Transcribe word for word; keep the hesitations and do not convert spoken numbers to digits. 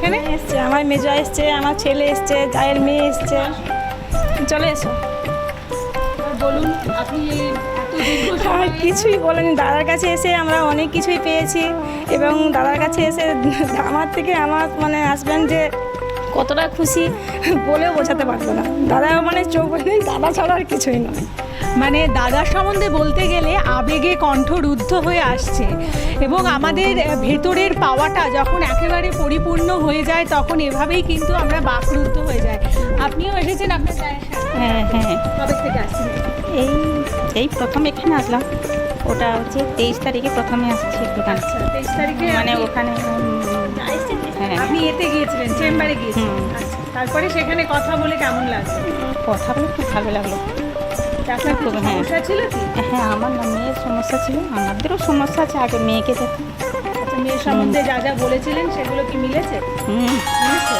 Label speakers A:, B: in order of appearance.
A: এখানে?
B: এসছে, আমার মেজো এসছে, আমার ছেলে এসছে, জায়ের মেয়ে এসছে। চলে এসো।
A: বলুন আপনি এই এত দীর্ঘ
B: আর
A: সময়
B: কিছুই বলেনি, দাদার কাছে এসে আমরা অনেক কিছুই পেয়েছি এবং দাদার কাছে এসে আমার থেকে আমার মানে হাজব্যান্ড যে কতটা খুশি বলেও বোঝাতে পারবো না। দাদা মানে চোখ বলে দাদা ছাড়া আর কিছুই নয়।
A: মানে দাদার সম্বন্ধে বলতে গেলে আবেগে কণ্ঠরুদ্ধ হয়ে আসছে এবং আমাদের ভেতরের পাওয়াটা যখন একেবারে পরিপূর্ণ হয়ে যায় তখন এভাবেই কিন্তু আমরা বাকরুদ্ধ হয়ে যায়। আপনিও এসেছেন আপনার জায়ের সাথে?
C: হ্যাঁ হ্যাঁ
A: কবে থেকে আসছেন?
C: এই এই প্রথম এখানে আসলাম। ওটা হচ্ছে তেইশ তারিখে প্রথমে আসছি দোকানে,
A: আচ্ছা, তেইশ তারিখে
C: মানে
A: আপনি-
C: ওখানে হ্যাঁ
A: আপনি এতে গিয়েছিলেন, চেম্বারে গিয়েছিলেন।
C: হুম।
A: আচ্ছা, তারপরে সেখানে কথা বলে কেমন লাগলো?
C: কথা বলে খুব ভালো লাগলো।
A: আপনার
C: খুব,
A: কোনো
C: হ্যাঁ।
A: সমস্যা ছিল কি?
C: হ্যাঁ আমার না মেয়ের সমস্যা ছিল, আমাদেরও সমস্যা আছে, আগে মেয়েকে দেখো।
A: আচ্ছা, মেয়ের সম্বন্ধে যা যা বলেছিলেন সেগুলো কি মিলেছে?
C: হুম
A: মিলেছে?